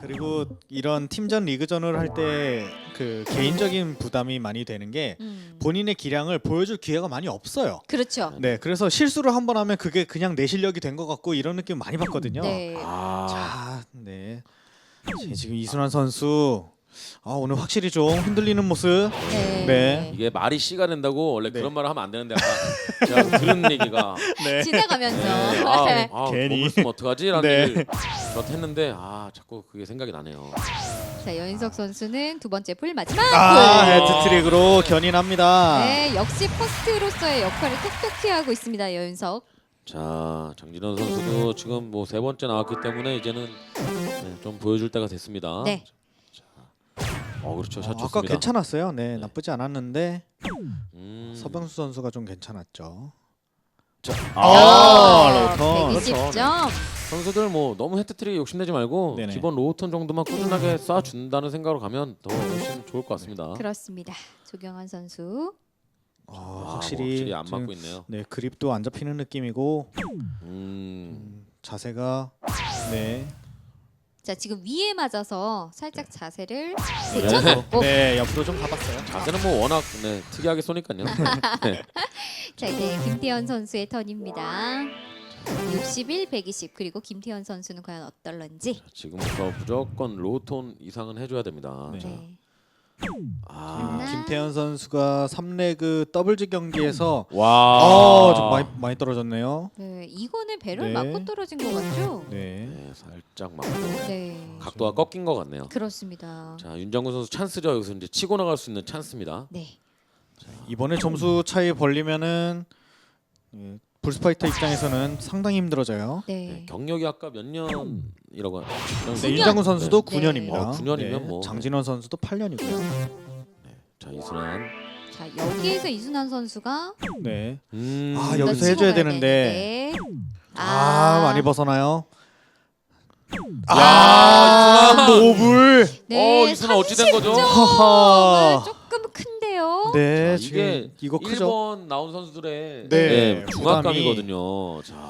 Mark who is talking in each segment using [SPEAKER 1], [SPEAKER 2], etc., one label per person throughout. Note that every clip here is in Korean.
[SPEAKER 1] 그리고 이런 팀전 리그전을 할 때 그 개인적인 부담이 많이 되는 게 본인의 기량을 보여줄 기회가 많이 없어요.
[SPEAKER 2] 그렇죠.
[SPEAKER 1] 네, 그래서 실수를 한 번 하면 그게 그냥 내 실력이 된 것 같고 이런 느낌 많이 받거든요.
[SPEAKER 2] 네.
[SPEAKER 1] 자, 네. 지금 이순환 선수 오늘 확실히 좀 흔들리는 모습.
[SPEAKER 2] 네.
[SPEAKER 1] 네.
[SPEAKER 3] 이게 말이 씨가 된다고 원래
[SPEAKER 1] 네.
[SPEAKER 3] 그런 말을 하면 안 되는데 아까 제가 들은 얘기가
[SPEAKER 1] 네.
[SPEAKER 2] 지나가면서.
[SPEAKER 3] 네.
[SPEAKER 1] 괜히.
[SPEAKER 3] 먹을 면 어떡하지라는
[SPEAKER 1] 네.
[SPEAKER 3] 얘기를 저한테 했는데 자꾸 그게 생각이 나네요.
[SPEAKER 2] 자, 여인석 선수는 두 번째 풀 마지막
[SPEAKER 1] 헤트트릭으로 견인합니다.
[SPEAKER 2] 네, 역시 퍼스트로서의 역할을 톡톡히 하고 있습니다. 여윤석.
[SPEAKER 3] 자, 장진원 선수도 지금 뭐 세 번째 나왔기 때문에 이제는 좀 보여줄 때가 됐습니다.
[SPEAKER 2] 네.
[SPEAKER 3] 그렇죠. 샷
[SPEAKER 1] 아까
[SPEAKER 3] 좋습니다.
[SPEAKER 1] 괜찮았어요. 네, 나쁘지 않았는데 서병수 선수가 좀 괜찮았죠.
[SPEAKER 3] 자,
[SPEAKER 1] 로턴.
[SPEAKER 2] 120점.
[SPEAKER 3] 선수들 뭐 너무 헤트트릭 욕심내지 말고
[SPEAKER 1] 네네.
[SPEAKER 3] 기본 로우턴 정도만 꾸준하게 쏴준다는 생각으로 가면 더 훨씬 좋을 것 같습니다.
[SPEAKER 2] 그렇습니다. 조경환 선수.
[SPEAKER 3] 확실히 안
[SPEAKER 1] 지금,
[SPEAKER 3] 맞고 있네요.
[SPEAKER 1] 네, 그립도 안 잡히는 느낌이고 자세가 네.
[SPEAKER 2] 자, 지금 위에 맞아서 살짝 자세를
[SPEAKER 3] 네.
[SPEAKER 2] 제쳐놓고.
[SPEAKER 1] 네, 옆으로 좀 가봤어요.
[SPEAKER 3] 자세는 뭐 워낙 특이하게 쏘니까요. 네.
[SPEAKER 2] 자, 이제 김태현 선수의 턴입니다. 61, 120 그리고 김태현 선수는 과연 어떨런지.
[SPEAKER 3] 지금부터 무조건 로우톤 이상은 해줘야 됩니다.
[SPEAKER 1] 네.
[SPEAKER 3] 자,
[SPEAKER 2] 네.
[SPEAKER 1] 김태현 선수가 3레그 더블즈 경기에서
[SPEAKER 3] 와,
[SPEAKER 1] 좀 많이 떨어졌네요.
[SPEAKER 2] 네, 이거는 배를
[SPEAKER 1] 네.
[SPEAKER 2] 맞고 떨어진 것 같죠?
[SPEAKER 1] 네.
[SPEAKER 3] 네, 살짝 맞고
[SPEAKER 2] 네.
[SPEAKER 3] 각도가 꺾인 것 같네요.
[SPEAKER 2] 그렇습니다.
[SPEAKER 3] 자, 윤장군 선수 찬스죠. 여기서 이제 치고 나갈 수 있는 찬스입니다.
[SPEAKER 2] 네.
[SPEAKER 1] 이번에 점수 차이 벌리면은 불스파이터 입장에서는 상당히 힘들어져요.
[SPEAKER 2] 네.
[SPEAKER 3] 경력이 아까 몇 년이라고
[SPEAKER 1] 네, 윤장군 선수도
[SPEAKER 2] 네.
[SPEAKER 1] 9년입니다.
[SPEAKER 3] 9년이면 뭐.
[SPEAKER 1] 장진원 선수도 8년이고요.
[SPEAKER 3] 자, 이순환.
[SPEAKER 2] 자, 여기에서 이순환 선수가
[SPEAKER 1] 네.
[SPEAKER 2] 더
[SPEAKER 1] 여기서
[SPEAKER 2] 치고
[SPEAKER 1] 해줘야
[SPEAKER 2] 가야
[SPEAKER 1] 되는데.
[SPEAKER 2] 되는데.
[SPEAKER 1] 많이 벗어나요.
[SPEAKER 3] 이순환!
[SPEAKER 1] 노블.
[SPEAKER 2] 네,
[SPEAKER 3] 이순환 어찌 된 거죠?
[SPEAKER 2] 30점은
[SPEAKER 1] 하하.
[SPEAKER 2] 조금 큰데요.
[SPEAKER 1] 네,
[SPEAKER 3] 자,
[SPEAKER 1] 지금 이거 크죠.
[SPEAKER 3] 1번 나온 선수들의
[SPEAKER 1] 네,
[SPEAKER 3] 중압감이거든요. 자,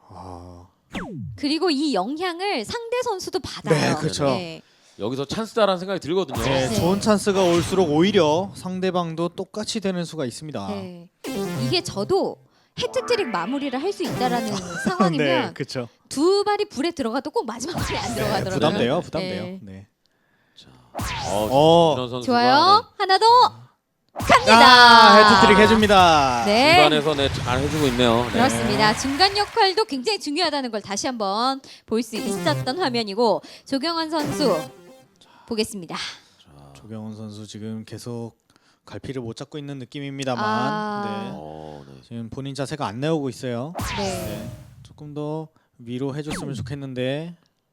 [SPEAKER 2] 그리고 이 영향을 상대 선수도 받아요.
[SPEAKER 1] 네, 그렇죠.
[SPEAKER 2] 네.
[SPEAKER 3] 여기서 찬스다라는 생각이 들거든요.
[SPEAKER 1] 네,
[SPEAKER 2] 네.
[SPEAKER 1] 좋은 찬스가 올수록 오히려 상대방도 똑같이 되는 수가 있습니다.
[SPEAKER 2] 네. 이게 저도 해트트릭 마무리를 할 수 있다라는 상황이면
[SPEAKER 1] 네, 그렇죠.
[SPEAKER 2] 두 발이 불에 들어가도 꼭 마지막 발이 안 들어가더라고요.
[SPEAKER 1] 부담돼요.
[SPEAKER 2] 네.
[SPEAKER 1] 네.
[SPEAKER 3] 장진원 선수가
[SPEAKER 2] 좋아요. 하나 더 갑니다.
[SPEAKER 1] 헤트트릭 해줍니다.
[SPEAKER 2] 네.
[SPEAKER 3] 중간에서 잘 해주고 있네요. 네.
[SPEAKER 2] 그렇습니다. 중간 역할도 굉장히 중요하다는 걸 다시 한번 볼 수 있었던 화면이고 조경환 선수 보겠습니다.
[SPEAKER 1] 조경원 선수 지금 계속 갈피를 못 잡고 있는 느낌입니다만 네. 지금 본인 자세가 안 나오고 있어요.
[SPEAKER 2] 네.
[SPEAKER 1] 네. 조금 더 위로 해줬으면 좋겠는데.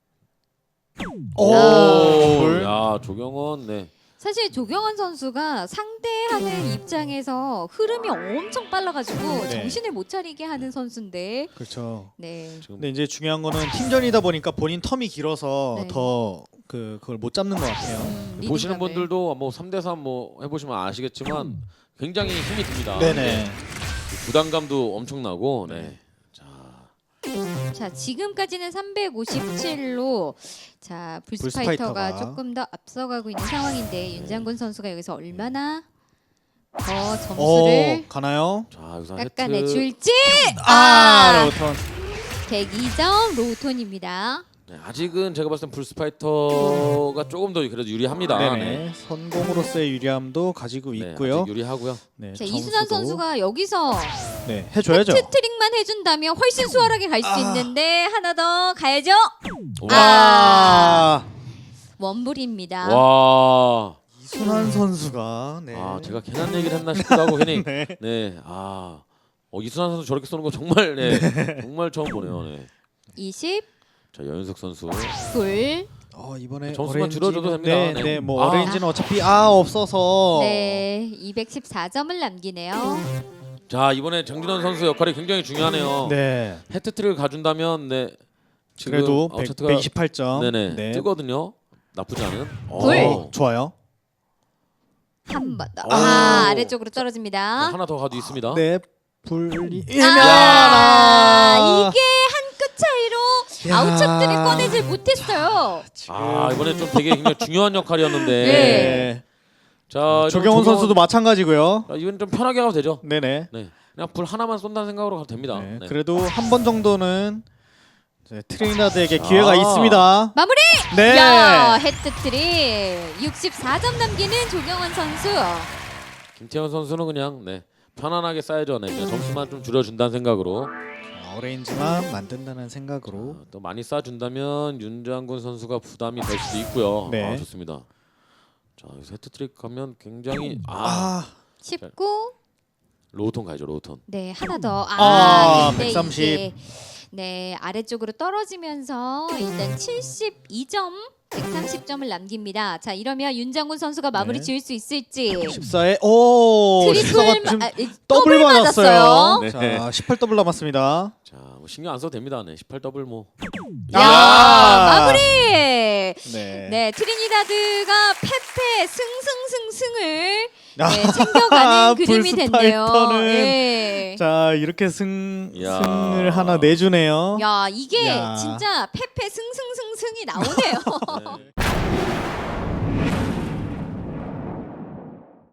[SPEAKER 3] 야, 조경원, 네.
[SPEAKER 2] 사실 조경환 선수가 상대하는 입장에서 흐름이 엄청 빨라가지고
[SPEAKER 1] 네.
[SPEAKER 2] 정신을 못 차리게 하는 선수인데.
[SPEAKER 1] 그렇죠.
[SPEAKER 2] 네.
[SPEAKER 1] 근데 이제 중요한 거는 팀전이다 보니까 본인 텀이 길어서
[SPEAKER 2] 네.
[SPEAKER 1] 더 그걸 못 잡는 것 같아요.
[SPEAKER 3] 보시는
[SPEAKER 2] 리딩감을.
[SPEAKER 3] 분들도 뭐 3대3 뭐 해보시면 아시겠지만 굉장히 힘이 듭니다.
[SPEAKER 1] 네네.
[SPEAKER 3] 부담감도 엄청나고. 네.
[SPEAKER 2] 자, 지금까지는 357로 자 불스파이터가
[SPEAKER 1] 불스파이터가.
[SPEAKER 2] 조금 더 앞서가고 있는 상황인데 윤장군 선수가 여기서 얼마나 더
[SPEAKER 1] 오,
[SPEAKER 2] 점수를
[SPEAKER 1] 가나요?
[SPEAKER 3] 자, 여기서
[SPEAKER 2] 깎아내줄지.
[SPEAKER 1] 로턴.
[SPEAKER 2] 102점 로우톤입니다.
[SPEAKER 3] 네, 아직은 제가 봤을 땐 불스파이터가 조금 더 그래도 유리합니다.
[SPEAKER 1] 네네. 선공으로서의 유리함도 가지고
[SPEAKER 3] 네,
[SPEAKER 1] 있고요.
[SPEAKER 3] 아직 유리하고요.
[SPEAKER 1] 네,
[SPEAKER 2] 자, 이순환
[SPEAKER 1] 점수도.
[SPEAKER 2] 선수가 여기서
[SPEAKER 1] 네, 해줘야죠.
[SPEAKER 2] 트릭만 해준다면 훨씬 수월하게 갈 수 있는데 하나 더 가야죠.
[SPEAKER 1] 아,
[SPEAKER 2] 원불입니다.
[SPEAKER 3] 와.
[SPEAKER 1] 이순환 선수가 네.
[SPEAKER 3] 제가 괜한 얘기를 했나 싶기도 하고 괜히
[SPEAKER 1] 네.
[SPEAKER 3] 네. 이순환 선수 저렇게 쏘는 거 정말 정말 처음 보네요. 네.
[SPEAKER 2] 20
[SPEAKER 3] 자, 여윤석 선수.
[SPEAKER 2] 불.
[SPEAKER 1] 이번에
[SPEAKER 3] 점수만
[SPEAKER 1] 어레인지는-
[SPEAKER 3] 줄여줘도 됩니다.
[SPEAKER 1] 네,
[SPEAKER 3] 네.
[SPEAKER 1] 네, 뭐 어레인지는 어차피 없어서.
[SPEAKER 2] 네, 214점을 남기네요.
[SPEAKER 3] 자, 이번에 장진원 선수 역할이 굉장히 중요하네요.
[SPEAKER 1] 네.
[SPEAKER 3] 헤트트릭을 가져준다면 지금
[SPEAKER 1] 그래도
[SPEAKER 3] 차트가
[SPEAKER 1] 128점.
[SPEAKER 3] 네네
[SPEAKER 1] 네.
[SPEAKER 3] 뜨거든요. 나쁘지 않은.
[SPEAKER 2] 불.
[SPEAKER 1] 좋아요.
[SPEAKER 2] 한 번 더.
[SPEAKER 3] 오.
[SPEAKER 2] 아래쪽으로 떨어집니다.
[SPEAKER 3] 하나 더 가도 있습니다.
[SPEAKER 1] 네. 불리.
[SPEAKER 2] 이게 한 끗 차이로
[SPEAKER 1] 야.
[SPEAKER 2] 아웃샷들을 꺼내질 못했어요.
[SPEAKER 3] 아 이번에 좀 되게 굉장히 중요한 역할이었는데.
[SPEAKER 2] 네.
[SPEAKER 3] 자
[SPEAKER 1] 조경원 선수도 마찬가지고요.
[SPEAKER 3] 이건 좀 편하게 가도 되죠.
[SPEAKER 1] 네네.
[SPEAKER 3] 네. 그냥 불 하나만 쏜다는 생각으로 가도 됩니다.
[SPEAKER 1] 네,
[SPEAKER 3] 네.
[SPEAKER 1] 그래도 한 번 정도는 이제 트리니다드에게 기회가
[SPEAKER 3] 아.
[SPEAKER 1] 있습니다.
[SPEAKER 2] 마무리!
[SPEAKER 1] 네.
[SPEAKER 2] 야, 헤트트릭 64점 남기는 조경원 선수.
[SPEAKER 3] 김태현 선수는 그냥 네, 편안하게 쌓여져 네, 그냥 점수만 좀 줄여준다는 생각으로
[SPEAKER 1] 어레인지만 만든다는 생각으로.
[SPEAKER 3] 또 많이 쌓아준다면 윤장군 선수가 부담이 될 수도 있고요.
[SPEAKER 1] 네.
[SPEAKER 3] 아, 좋습니다. 자 여기서 헤트트릭 가면 굉장히
[SPEAKER 1] 아,
[SPEAKER 2] 19.
[SPEAKER 3] 로우톤 가야죠 로우톤.
[SPEAKER 2] 네, 하나 더.
[SPEAKER 1] 아,
[SPEAKER 2] 근데
[SPEAKER 1] 130.
[SPEAKER 2] 이게 네, 아래쪽으로 떨어지면서 일단 72점, 130점을 남깁니다. 자, 이러면 윤장군 선수가 마무리
[SPEAKER 1] 네.
[SPEAKER 2] 지을 수 있을지.
[SPEAKER 1] 14에 오,
[SPEAKER 2] 트리플
[SPEAKER 1] 14가 지금
[SPEAKER 2] 더블
[SPEAKER 1] 더블 맞았어요.
[SPEAKER 3] 네.
[SPEAKER 1] 자, 18 더블 남았습니다.
[SPEAKER 3] 자, 뭐 신경 안 써도 됩니다. 네, 18 더블 뭐.
[SPEAKER 2] 야,
[SPEAKER 1] 야!
[SPEAKER 2] 마무리!
[SPEAKER 1] 네.
[SPEAKER 2] 네, 트리니다드가 페페 승승승승을
[SPEAKER 1] 아,
[SPEAKER 2] 네, 챙겨가는 그림이
[SPEAKER 1] 불스파이터는
[SPEAKER 2] 됐네요. 네.
[SPEAKER 1] 자, 이렇게
[SPEAKER 3] 야.
[SPEAKER 1] 승을 하나 내주네요.
[SPEAKER 2] 야, 이게
[SPEAKER 1] 야.
[SPEAKER 2] 진짜 페페 승승승승이 나오네요.
[SPEAKER 3] 네.